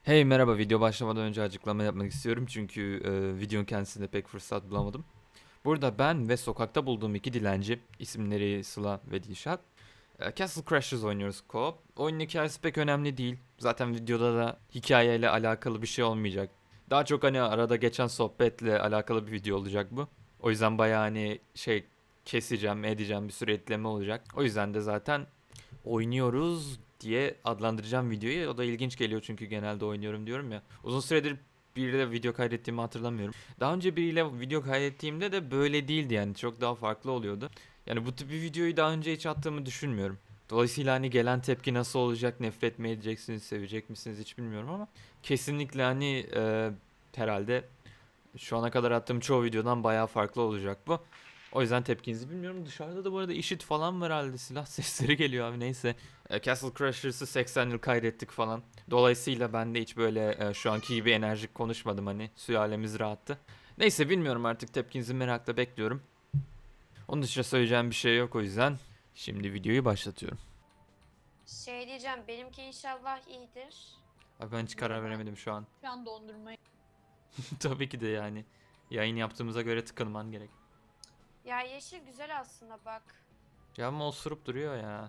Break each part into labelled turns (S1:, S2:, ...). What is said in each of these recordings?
S1: Hey merhaba, video başlamadan önce açıklama yapmak istiyorum çünkü videonun kendisinde pek fırsat bulamadım. Burada ben ve sokakta bulduğum iki dilenci, isimleri Sıla ve Dilşat, Castle Crashers oynuyoruz co-op. Oyunun hikayesi pek önemli değil. Zaten videoda da hikayeyle alakalı bir şey olmayacak. Daha çok hani arada geçen sohbetle alakalı bir video olacak bu. O yüzden bayağı hani keseceğim, edeceğim, bir sürü ekleme olacak. O yüzden de zaten oynuyoruz diye adlandıracağım videoyu. O da ilginç geliyor çünkü genelde oynuyorum diyorum ya. Uzun süredir biriyle video kaydettiğimi hatırlamıyorum. Daha önce biriyle video kaydettiğimde de böyle değildi yani. Çok daha farklı oluyordu. Yani bu tip bir videoyu daha önce hiç attığımı düşünmüyorum. Dolayısıyla hani gelen tepki nasıl olacak, nefret mi edeceksiniz, sevecek misiniz hiç bilmiyorum ama kesinlikle hani herhalde şu ana kadar attığım çoğu videodan bayağı farklı olacak bu. O yüzden tepkinizi bilmiyorum. Dışarıda da bu arada işit falan var herhalde. Silah sesleri geliyor abi neyse. Castle Crashers'ı 80 yıl kaydettik falan. Dolayısıyla ben de hiç böyle şu anki gibi enerjik konuşmadım hani. Sülalemiz rahattı. Neyse bilmiyorum artık tepkinizi merakla bekliyorum. Onun dışında söyleyeceğim bir şey yok o yüzden. Şimdi videoyu başlatıyorum.
S2: Şey diyeceğim, benimki inşallah iyidir.
S1: Abi ben hiç karar
S3: Merhaba.
S1: veremedim şu an.
S3: Şu an dondurmayı.
S1: Tabii ki de yani. Yayın yaptığımıza göre tıkınman gerek.
S2: Ya yeşil güzel aslında bak.
S1: Ya ama osurup duruyor ya.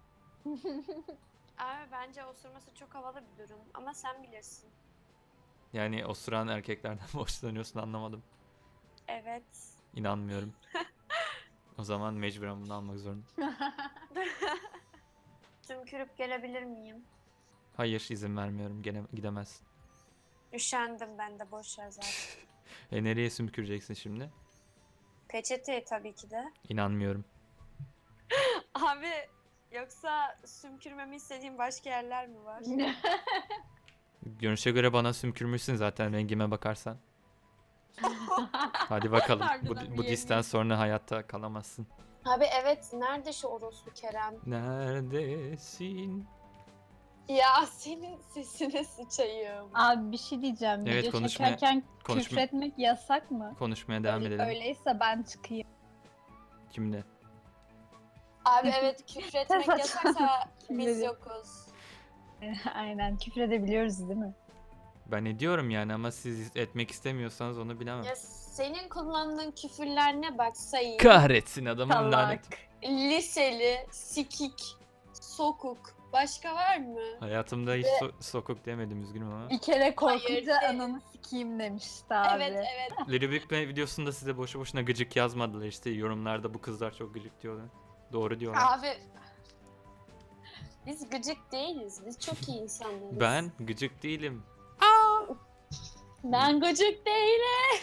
S2: Abi bence osurması çok havalı bir durum ama sen bilirsin.
S1: Yani osuran erkeklerden mi hoşlanıyorsun anlamadım.
S2: Evet.
S1: İnanmıyorum. O zaman mecburen bunu almak zorundayım.
S2: Tümkürüp gelebilir miyim?
S1: Hayır izin vermiyorum. Gene gidemezsin.
S2: Üşendim ben de boş ver zaten.
S1: Nereye sümküreceksin şimdi?
S2: Peçete tabii ki de.
S1: İnanmıyorum.
S2: Abi yoksa sümkürmemi istediğin başka yerler mi var?
S1: Görünüşe göre bana sümkürmüşsün zaten rengime bakarsan. Hadi bakalım.
S3: Harbiden
S1: Bu
S3: bir
S1: disten
S3: yemin.
S1: sonra hayatta kalamazsın.
S2: Abi evet, nerede şu orospu Kerem?
S1: Neredesin?
S2: Ya senin sesine sıçayım.
S3: Abi bir şey diyeceğim.
S1: Evet,
S3: Video
S1: konuşmaya-
S3: çekerken
S1: konuşma-
S3: küfretmek yasak mı?
S1: Konuşmaya devam edelim.
S3: Öyleyse ben çıkayım.
S1: Kimle?
S2: Abi evet, küfretmek
S3: Saçma.
S2: yasaksa biz
S3: Bilmiyorum.
S2: yokuz.
S3: Aynen küfredebiliyoruz değil mi?
S1: Ben ediyorum yani ama siz etmek istemiyorsanız onu bilemem.
S2: Ya senin kullandığın küfürler ne bak sayayım.
S1: Kahretsin adamın
S3: Salak.
S1: lanet.
S2: Liseli, sikik, sokuk. Başka var mı?
S1: Hayatımda hiç sokuk demedim üzgünüm ama.
S3: Bir kere korkunca
S2: Hayır.
S3: ananı sikeyim demişti abi.
S2: Evet evet.
S1: Little Big Bang videosunda size boşu boşuna gıcık yazmadılar işte yorumlarda bu kızlar çok gıcık diyorlar. Doğru diyorlar.
S2: Abi biz gıcık değiliz. Biz çok iyi insanlarız.
S1: Ben gıcık değilim.
S2: Ben gıcık değilim.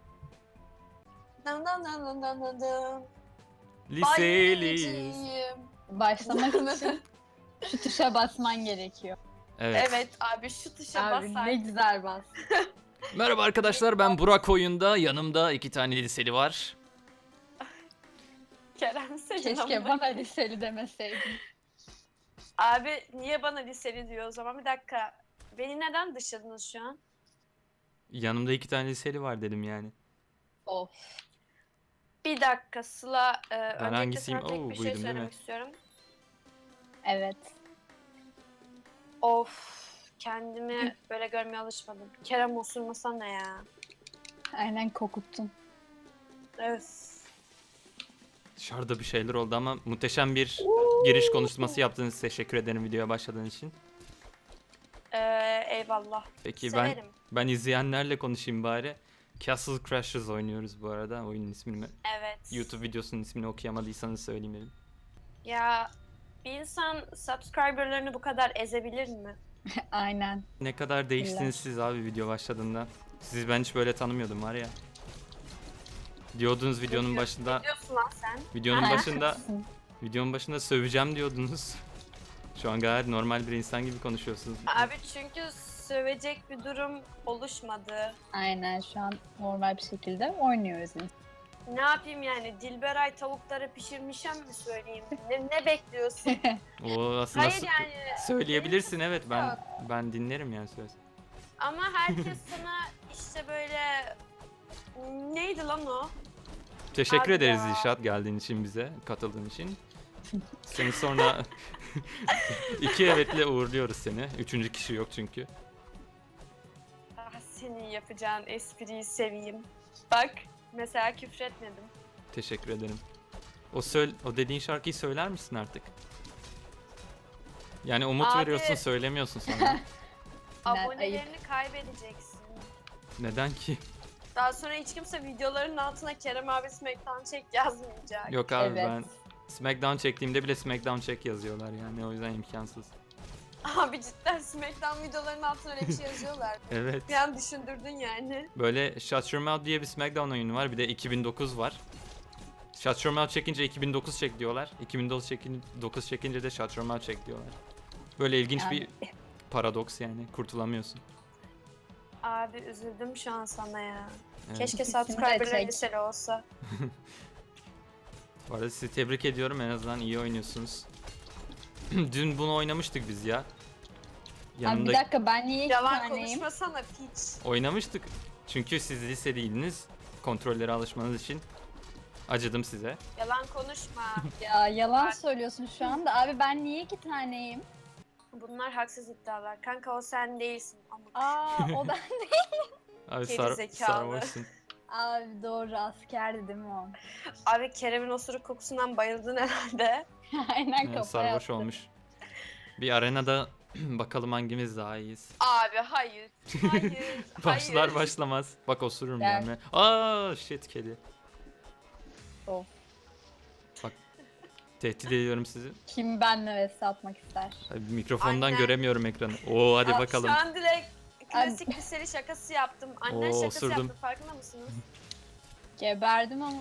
S2: Dan dan dan dan dan dan dan.
S1: Liseliyiz.
S2: Bayılacağım.
S3: Başlamak için şu tuşa basman gerekiyor.
S1: Evet.
S2: Evet abi, şu tuşa
S3: Abi
S2: basar.
S3: ne güzel bas.
S1: Merhaba arkadaşlar, ben Burak Oyun'da. Yanımda iki tane liseli var.
S2: Kerem senin
S3: Keşke
S2: amına-
S3: bana liseli demeseydin.
S2: Abi niye bana liseli diyor o zaman? Bir dakika. Beni neden dışladınız şu an?
S1: Yanımda iki tane liseli var dedim yani.
S3: Of.
S2: Bir dakika Sıla, öncelikle
S1: hangisiyim?
S2: sana tek
S1: Oo,
S2: bir şey
S1: buydum değil mi?
S2: söylemek istiyorum.
S3: Evet.
S2: Of, kendimi böyle görmeye alışmadım. Kerem osurmasa ne ya?
S3: Aynen kokuttun.
S2: Öf.
S1: Dışarıda bir şeyler oldu ama muhteşem bir giriş konuşması yaptığınız için teşekkür ederim videoya başladığınız için.
S2: Eyvallah.
S1: Peki
S2: Severim.
S1: ben izleyenlerle konuşayım bari. Castle Crashers oynuyoruz bu arada oyunun ismini.
S2: Evet.
S1: YouTube videosunun ismini okuyamadıysanız söyleyeyim dedim.
S2: Ya bir insan subscriberlarını bu kadar ezebilir mi?
S3: Aynen.
S1: Ne kadar değiştiniz siz abi video başladığında. Sizi ben hiç böyle tanımıyordum var ya. Diyordunuz videonun başında,
S2: Ne diyorsun lan sen?
S1: videonun
S3: Aynen.
S1: başında, videonun başında söveceğim diyordunuz. Şu an gayet normal bir insan gibi konuşuyorsunuz.
S2: Abi çünkü sövecek bir durum oluşmadı.
S3: Aynen şu an normal bir şekilde oynuyoruz.
S2: Ne yapayım yani, Dilberay tavukları pişirmişem mi söyleyeyim? Ne bekliyorsun?
S1: O aslında
S2: Hayır yani.
S1: söyleyebilirsin evet ben dinlerim yani söz.
S2: Ama herkes sana işte böyle, neydi lan o?
S1: Teşekkür
S2: Abi
S1: ederiz
S2: ya.
S1: Dilşat geldiğin için bize, katıldığın için. Seni sonra iki evetle uğurluyoruz seni. Üçüncü kişi yok çünkü.
S2: senin yapacağın espriyi seveyim. Bak mesela küfretmedim.
S1: Teşekkür ederim. O dediğin şarkıyı söyler misin artık? Yani umut
S2: Abi.
S1: veriyorsun, söylemiyorsun sonra.
S2: Abonelerini kaybedeceksin.
S1: Neden ki?
S2: Daha sonra hiç kimse videoların altına Kerem abi Smackdown çek yazmayacak.
S1: Yok abi
S3: Evet.
S1: ben Smackdown çektiğimde bile Smackdown çek yazıyorlar yani o yüzden imkansız.
S2: Abi cidden Smackdown videolarının altına öyle bir şey yazıyorlar.
S1: Evet.
S2: Bir an düşündürdün yani.
S1: Böyle Shut Your Mouth diye bir Smackdown oyunu var. Bir de 2009 var. Shut Your Mouth çekince 2009 çek diyorlar. 2009 çekince de Shut Your Mouth çek diyorlar. Böyle ilginç
S3: Yani.
S1: bir paradoks yani. Kurtulamıyorsun.
S2: Abi üzüldüm şu an sana ya.
S1: Evet.
S2: Keşke
S3: İkisini de
S2: subscriber'ları
S3: çek.
S2: liseli olsa.
S1: Bu arada sizi tebrik ediyorum. En azından iyi oynuyorsunuz. Dün bunu oynamıştık biz ya.
S3: Abi bir
S1: Yanımda
S3: dakika ben niye iki
S2: Yalan
S3: taneyim?
S2: konuşmasana piç.
S1: oynamıştık. Çünkü siz lise değildiniz. Kontrollere alışmanız için. Acıdım size.
S2: Yalan konuşma.
S3: Ya yalan söylüyorsun şu anda. Abi ben niye iki taneyim?
S2: Bunlar haksız iddialar. Kanka o sen değilsin. Ama
S3: Aa o ben.
S1: Abi
S2: Geri zekalı.
S1: sarhoşsun.
S3: Abi doğru askerdi değil mi o?
S2: Abi Kerem'in osuruk kokusundan bayıldın herhalde.
S3: Aynen
S1: Yani
S3: kafa
S1: sarhoş
S3: yaptı.
S1: olmuş. Bir arenada bakalım hangimiz daha iyiyiz.
S2: Abi hayır. Hayır.
S1: Başlar
S2: hayır.
S1: başlamaz. Bak osururum
S3: Gel.
S1: ben. Aa shit kedi.
S3: Of.
S1: Bak tehdit ediyorum sizi.
S3: Kim benle vs atmak ister?
S1: Abi, mikrofondan
S2: Aynen.
S1: göremiyorum ekranı. Oo hadi
S2: Abi
S1: bakalım.
S2: Şu an direkt klasik liseli şakası yaptım. Annen
S1: Oo,
S2: şakası
S1: osurdum.
S2: yaptı farkında mısınız?
S3: Geberdim ama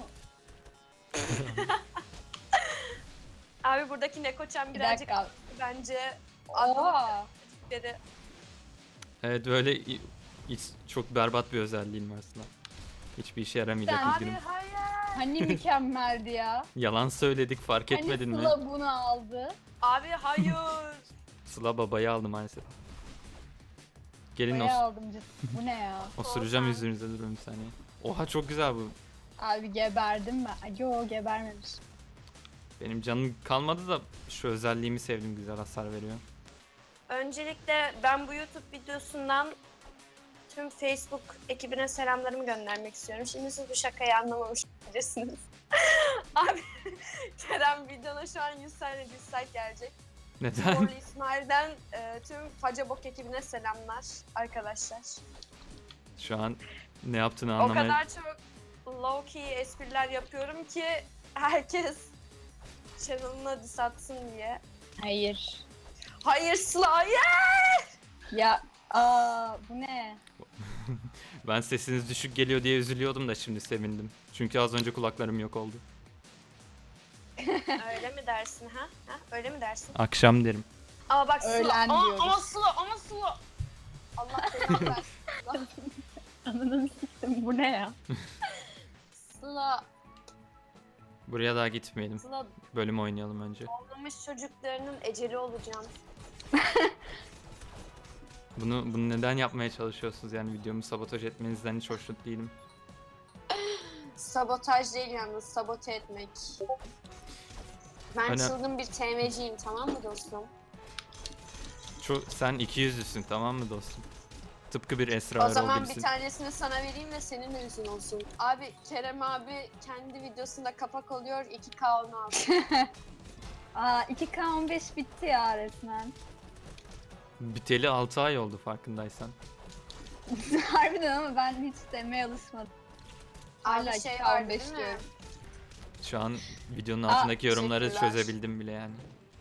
S2: Abi buradaki Nekoçan
S3: bir
S2: birazcık
S3: dakika.
S2: bence
S3: Oha.
S2: dedi.
S1: Evet böyle hiç çok berbat bir özelliğim var aslında. Hiçbir işe yaramayacak
S3: Sen-
S2: Abi
S1: üzgünüm.
S2: hayır.
S3: Hani mükemmeldi ya.
S1: Yalan söyledik fark
S3: Hani
S1: etmedin mi?
S3: Sıla bunu aldı.
S2: Abi hayır.
S1: Sıla babayı aldı maalesef. Gelin
S3: Bayağı aldım cidden. Bu ne ya?
S1: osuracağım
S2: Olsan.
S1: yüzünüze durun bir saniye. Oha çok güzel bu.
S3: Abi geberdim ben. Ay, yo gebermemiş.
S1: Benim canım kalmadı da şu özelliğimi sevdim, güzel hasar veriyor.
S2: Öncelikle ben bu YouTube videosundan tüm Facebook ekibine selamlarımı göndermek istiyorum. Şimdi siz bu şakayı anlamamış olabilirsiniz. Abi Kerem videona şu an 100 tane dislike gelecek.
S1: Neden?
S2: Morlu İsmail'den tüm Facabok ekibine selamlar arkadaşlar.
S1: Şu an ne yaptığını
S2: O
S1: anlamaya...
S2: kadar çok low key espriler yapıyorum ki herkes channel'ına diss atsın diye.
S3: Hayır.
S2: Hayır Sıla hayır!
S3: Ya bu ne?
S1: Ben sesiniz düşük geliyor diye üzülüyordum da şimdi sevindim. Çünkü az önce kulaklarım yok oldu.
S2: Öyle mi dersin ha? Öyle mi dersin?
S1: Akşam derim.
S2: Ama bak Sıla.
S3: Öğlen
S2: Ama,
S3: diyoruz.
S2: ama Sıla ama Sıla. Allah belanı versin. Sıla.
S3: Ananı siktim bu ne ya?
S2: Sıla.
S1: Buraya daha gitmeyelim.
S2: Sıla
S1: Bölüm oynayalım önce.
S2: doğmamış çocuklarının eceli olacağım.
S1: Bunu neden yapmaya çalışıyorsunuz yani videomu sabotaj etmenizden hiç hoşnut değilim.
S2: Sabotaj değil yalnız sabote etmek. Ben
S1: Hani-
S2: çılgın bir TM'ciyim tamam mı dostum?
S1: Sen 200'lüsün tamam mı dostum? Tıpkı bir Esra
S2: O zaman
S1: Erol
S2: bir
S1: gibisin.
S2: tanesini sana vereyim ve senin de yüzün olsun. Abi Kerem abi kendi videosunda kapak oluyor 2K onu aldı.
S3: 2K15 bitti ya resmen.
S1: Biteli 6 ay oldu farkındaysan.
S3: Harbiden ama ben hiç demeye alışmadım. Hala
S2: Abi şey
S3: 2K15
S2: vardı değil mi?
S3: diyorum.
S1: Şu an videonun altındaki yorumları
S2: teşekkürler.
S1: çözebildim bile yani.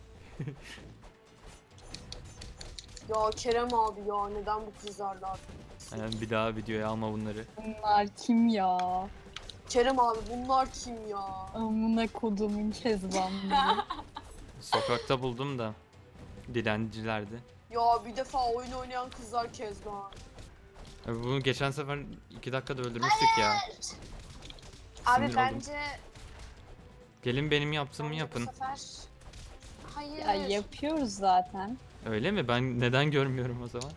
S2: Ya Kerem abi ya neden bu kızlarla?
S1: Yani bir daha videoya alma bunları.
S3: Bunlar kim ya?
S2: Kerem abi bunlar kim ya?
S3: Amına kodumun kezbanları.
S1: Sokakta buldum da dilencilerdi.
S2: Ya bir defa oyun oynayan kızlar Kezban.
S1: Bunu geçen sefer 2 dakikada öldürmüştük ya.
S2: Abi
S1: Sinir oldum.
S2: bence
S1: Gelin benim yaptığımı
S2: bence
S1: yapın.
S2: bu sefer... Hayır.
S3: Ya yapıyoruz zaten.
S1: Öyle mi? Ben neden görmüyorum o zaman?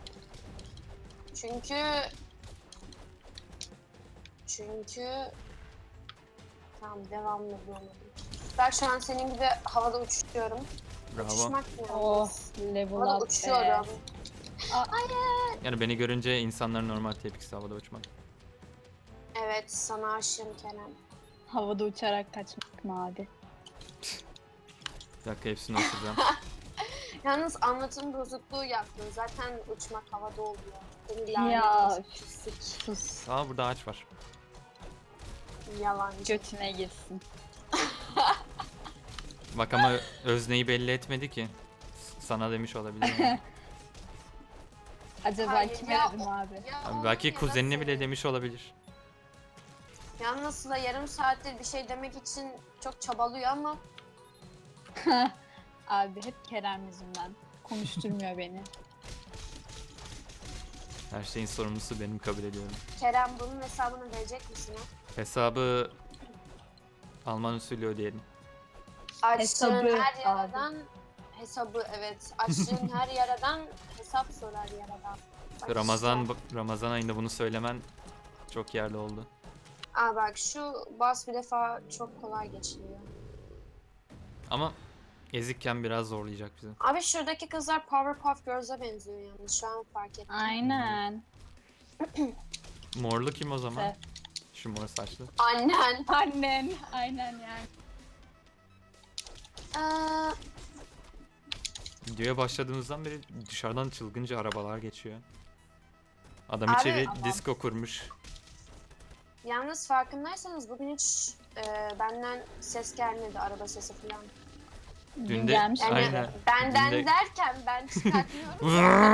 S2: Çünkü tamam devamlı bulamadım. Ben şu an senin gibi havada uçuyorum.
S1: Bravo.
S2: Uçmak ne
S3: Oh
S2: yalnız?
S3: level
S2: Havada
S3: up be.
S2: uçuyorum.
S1: Yani beni görünce insanların normal tepkisi havada uçmak.
S2: Evet, sana aşığım Kerem.
S3: Havada uçarak kaçmak mı abi?
S1: Bir dakika hepsini osuracağım.
S2: Yalnız anlatım bozukluğu yaptın. Zaten uçmak havada oluyor. Beni
S3: Ya,
S2: lanet olsun, pislik.
S3: Sus.
S1: Aa burada ağaç var.
S2: Yalancı.
S3: Götüne girsin.
S1: Bak ama özneyi belli etmedi ki. Sana demiş olabilir. Yani.
S3: Acaba
S2: Hayır,
S3: kime
S2: ya
S3: dedim
S2: o-
S3: abi?
S2: ya
S1: Abi
S2: oğlum
S1: belki
S2: ya da
S1: kuzenine bile
S2: senin.
S1: demiş olabilir.
S2: Yalnız Sıla yarım saattir bir şey demek için çok çabalıyor ama
S3: Abi hep Kerem yüzünden. Konuşturmuyor beni.
S1: Her şeyin sorumlusu benim, kabul ediyorum.
S2: Kerem bunun hesabını verecek misin? Ha?
S1: Hesabı Alman usulü ödeyelim.
S2: Açtığın
S3: Hesabı
S2: her
S3: abi.
S2: yaradan hesabı, evet. Açtığın her yaradan hesap sorar yaradan. Bak
S1: Ramazan
S2: işte.
S1: Ramazan ayında bunu söylemen çok yerli oldu.
S2: Aa bak şu bas bir defa çok kolay geçiliyor.
S1: Ama ezikken biraz zorlayacak bizi.
S2: Abi şuradaki kızlar Powerpuff Girls'a benziyor yalnız, şu an fark ettim.
S3: Aynen.
S1: Morlu kim o zaman?
S3: Evet.
S1: Şu mor saçlı.
S2: Annen.
S3: Annen. Aynen yani.
S2: Aa,
S1: Videoya başladığımızdan beri dışarıdan çılgınca arabalar geçiyor. Adam
S2: Abi,
S1: içeri
S3: tamam.
S1: disco kurmuş.
S2: yalnız farkındaysanız bugün hiç benden ses gelmedi, araba sesi falan.
S1: Dün de-
S3: gelmiş.
S2: Yani
S1: Aynen.
S2: benden
S1: Dün de-
S2: derken ben çıkartmıyorum.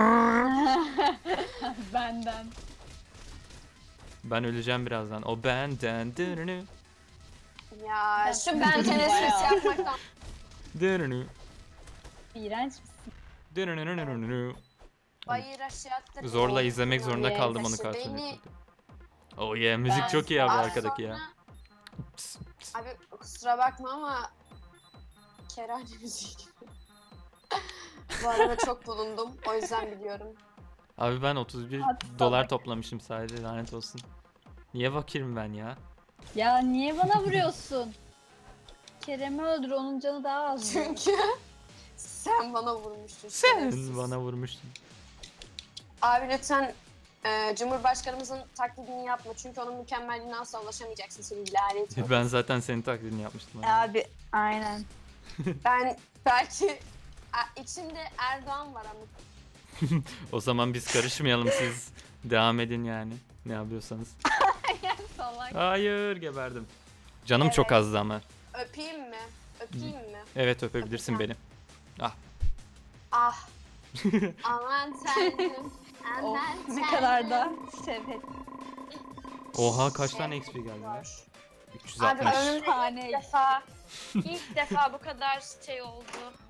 S3: Benden.
S1: Ben öleceğim birazdan. O benden. Dırını,
S2: Ya şu ben ses
S3: Bayağı.
S2: yapmaktan.
S1: dırını,
S3: İğrenç misin?
S1: dırını.
S2: Bayır aşağı attırıyor.
S1: Zorla izlemek
S2: Ya,
S1: zorunda
S3: Yes.
S1: kaldım onu
S2: taşı
S1: karşılamak.
S2: beni-
S1: Oh yeah, müzik
S3: Ben-
S1: çok iyi abi
S2: Az
S1: arkadaki ya.
S2: sonra-
S1: Ps, ps.
S2: Abi kusura bakma ama kerane müziği gibi. Bu arada çok bulundum, o yüzden biliyorum.
S1: Abi ben 31
S3: Hadi
S1: dolar
S3: salak.
S1: toplamışım sadece, lanet olsun. Niye fakirim ben ya?
S3: Ya niye bana vuruyorsun? Kerem'i öldür, onun canı daha az.
S2: Çünkü sen bana vurmuştun.
S1: Sen
S2: şerefsiz.
S1: bana vurmuştun.
S2: Abi lütfen Cumhurbaşkanımızın taklidini yapma. Çünkü onun mükemmelliğine asla ulaşamayacaksın, seni lanet olsun.
S1: Ben zaten senin taklidini yapmıştım. abi.
S3: Abi aynen.
S2: Ben belki içinde Erdoğan var ama.
S1: O zaman biz karışmayalım, siz devam edin yani. Ne yapıyorsanız.
S3: Salak.
S1: Hayır, geberdim. Canım
S2: Evet.
S1: çok azdı ama.
S2: Öpeyim mi? Öpeyim mi?
S1: Evet, öpebilirsin beni.
S2: Ah. Aman tanrım.
S3: Oh,
S2: Aman
S3: ne kadar da şevhet.
S1: Oha, kaç tane XP geldi ya?
S2: Var.
S1: 360.
S2: Abi ömrümde
S3: Şahane.
S2: ilk defa bu kadar şey oldu.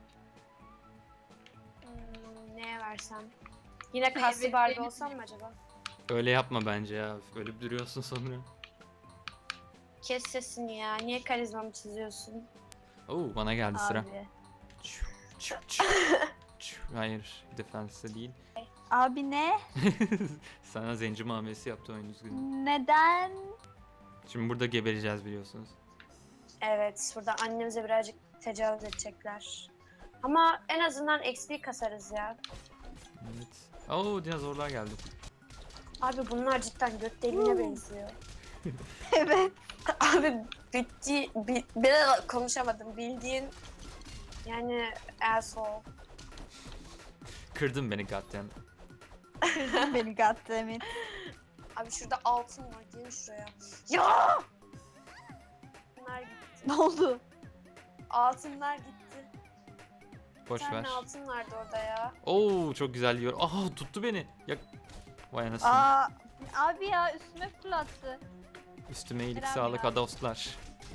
S2: Neye versem? Yine kaslı
S3: Evet,
S2: Barbie
S3: benim-
S2: olsam mı acaba?
S1: Öyle yapma bence ya. Ölüp duruyorsun sonra.
S2: Kes sesini ya. Niye karizmamı çiziyorsun?
S1: Oo, bana geldi sıra.
S3: Abi.
S1: Çu, çu, çu, çu. Hayır, defense değil.
S3: Abi ne?
S1: Sana zenci muamelesi yaptı oyun, üzgünüm.
S3: Neden?
S1: Şimdi burada gebereceğiz biliyorsunuz.
S2: Evet, burada annemize birazcık tecavüz edecekler. Ama en azından XP kasarız ya.
S1: Evet. Oo, dinozorlar geldi.
S2: Abi bunlar cidden göt deliğine benziyor.
S3: Evet.
S2: Abi konuşamadım, bildiğin yani asshole.
S1: Kırdın beni goddamn.
S3: Beni goddammit.
S2: Abi şurada altın var, gelin şuraya. Ya! Bunlar gitti.
S3: Ne oldu?
S2: Altınlar gitti.
S1: Boş
S2: Bir tane
S1: ver.
S2: altın vardı orada ya.
S1: Oo, çok güzel yiyor. Aha, tuttu beni. Ya, vay anasını.
S3: Aa, abi ya üstüme fırlattı.
S1: Üstüme iyilik
S3: Kerem
S1: sağlık
S3: ya.
S1: adostlar.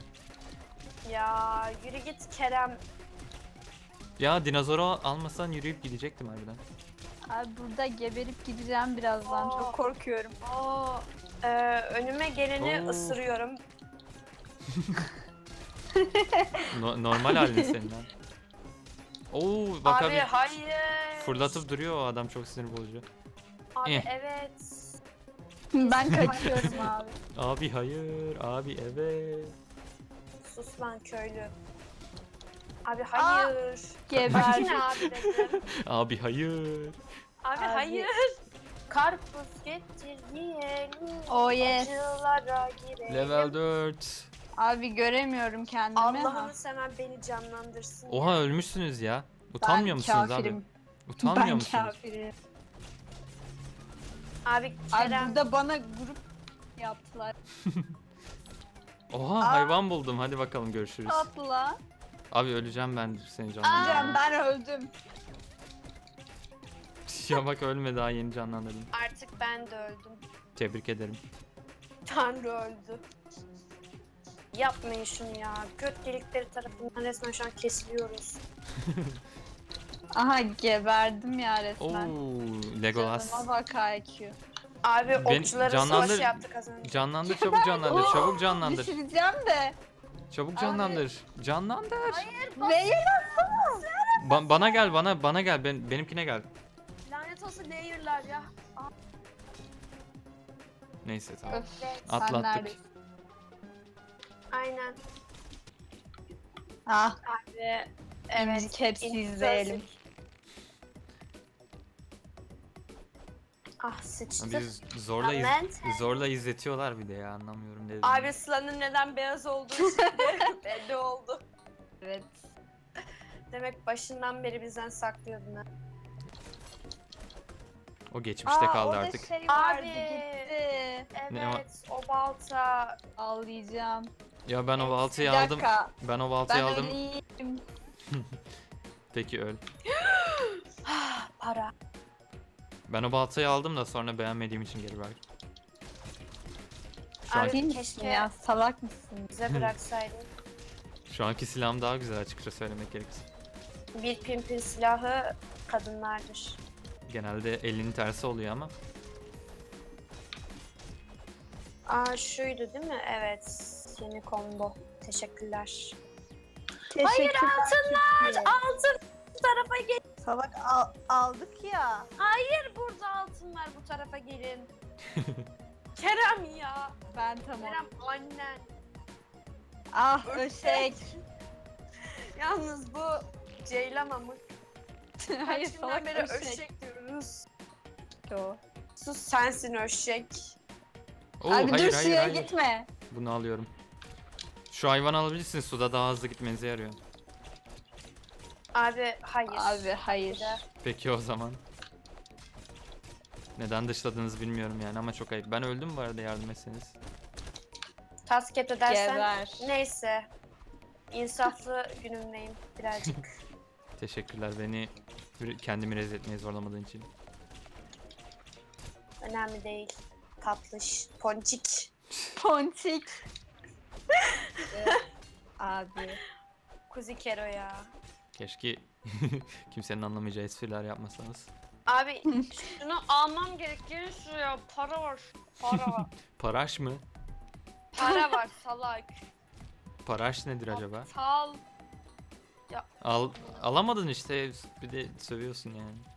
S2: Ya yürü git Kerem.
S1: Ya dinozoru almasan yürüyüp gidecektim harbiden.
S3: Abi burada geberip gideceğim birazdan.
S2: Aa.
S3: Çok korkuyorum.
S2: Oo, önüme geleni
S1: Oo.
S2: ısırıyorum.
S1: Normal halin senin lan. Oo, bak
S2: Abi
S1: abi.
S2: hayır.
S1: Fırlatıp duruyor o adam, çok sinir bozucu.
S2: Abi
S1: Eh.
S2: evet.
S3: Ben kaçıyorum abi.
S1: Abi hayır, abi evet.
S2: Sus lan köylü. Abi hayır.
S3: Geber.
S2: Bak yine abi dedim.
S1: Abi hayır.
S2: Abi, hayır. Karpuz getir yiyelim.
S3: Oh yes.
S2: Acılara girelim.
S1: Level 4.
S3: Abi göremiyorum kendimi.
S2: Allah'ını seven beni canlandırsın
S1: Oha
S2: ya.
S1: ölmüşsünüz ya. Utanmıyor
S3: Ben
S1: musunuz
S3: kafirim.
S1: abi? Utanmıyor
S3: Ben
S1: musunuz?
S3: kafirim.
S2: Abi
S3: Abi
S2: Kerem.
S3: burada bana grup yaptılar.
S1: Oha
S3: Aa.
S1: hayvan buldum. Hadi bakalım görüşürüz.
S3: Tatlı.
S1: Abi öleceğim ben seni
S3: Can
S1: canlandırdım.
S3: ben öldüm.
S1: Ya bak ölme daha yeni canlandırdım.
S2: Artık ben de öldüm.
S1: Tebrik ederim.
S2: Tanrı öldü. Yapmayın şunu ya. Göt delikleri tarafından resmen şu an kesiliyoruz.
S3: Aha geberdim ya
S1: Oo
S3: resmen.
S1: Legolas.
S3: Canıma bak IQ.
S2: Abi
S1: Ben-
S2: okçulara
S1: canlandır-
S2: savaş yaptık az önce.
S1: Canlandır çabuk canlandır. Çabuk canlandır.
S3: Düşüreceğim de.
S1: Çabuk canlandır. Canlandır.
S3: Neyi?
S1: Bana gel bana gel. Benimkine gel.
S2: Lanet olsun layer'lar ya.
S1: Neyse tamam.
S3: Öf,
S2: Evet.
S1: Atlattık.
S3: sen neredesin?
S2: Aynen.
S3: Ah,
S2: Abi
S3: evet. Hepsi izleyelim.
S2: Ah sıçtı.
S1: Biz zorla izletiyorlar bir de ya anlamıyorum dedim.
S2: Abi Sıla'nın neden beyaz olduğu şimdi belli oldu.
S3: Evet.
S2: Demek başından beri bizden saklıyordun ha.
S1: O geçmişte kaldı
S3: orada
S1: artık.
S3: şey vardı
S2: Abi.
S3: gitti.
S1: Ne var?
S2: Evet o balta.
S3: Ağlayacağım.
S1: Ya ben o baltayı
S3: Bir
S1: aldım.
S3: dakika.
S1: Ben o baltayı
S3: Ben
S1: aldım.
S3: öleyim.
S1: Peki öl.
S2: Para.
S1: Ben o baltayı aldım da sonra beğenmediğim için geri verdim. Şu,
S2: Abi-
S1: an,
S3: Değil misin
S2: keşke-
S3: ya? Salak mısın?
S2: Bize bıraksaydın.
S1: şu anki silahım daha güzel açıkça söylemek gerekirse.
S2: Bir pimpin silahı kadınlardır.
S1: Genelde elinin tersi oluyor ama.
S2: Aa şuydu değil mi? Evet. Yeni combo. Teşekkürler.
S3: Hayır
S2: Altınlar! Altın bu tarafa gelin.
S3: Salak aldık ya.
S2: Hayır burada altın var bu tarafa gelin. Kerem ya.
S3: Ben tamam.
S2: Kerem annen.
S3: Ah öşek.
S2: Yalnız bu Ceylan amık.
S3: Hayır
S2: Kaç günden
S3: salak
S2: beri
S3: öşek.
S2: öşek diyoruz.
S3: O.
S2: Sus sensin öşek.
S1: Oo,
S3: Abi
S1: hayır
S3: dur
S1: hayır
S3: suya
S1: hayır.
S3: gitme.
S1: Bunu alıyorum. Şu hayvanı alabilirsin. Suda daha hızlı gitmenize yarıyor.
S2: Abi hayır.
S3: Abi hayır.
S2: Bir de-
S1: Peki o zaman. Neden dışladığınızı bilmiyorum yani ama çok ayıp. Ben öldüm bu arada yardım etseniz.
S2: Tasket edersen.
S3: Geber.
S2: Neyse. İnsaflı günümdeyim birazcık.
S1: Teşekkürler beni kendimi rezil etmeye zorlamadığın için.
S2: Önemli değil. Tatlış. Ponçik.
S3: Ponçik. Abi.
S2: Kuzi Kero ya.
S1: Keşke kimsenin anlamayacağı espriler yapmasanız.
S2: Abi şunu almam gerek. Gelin şuraya. Para var. Para var.
S1: Paraş mı?
S2: Para var salak.
S1: Paraş nedir acaba?
S2: Aptal.
S1: Alamadın işte bir de sövüyorsun yani.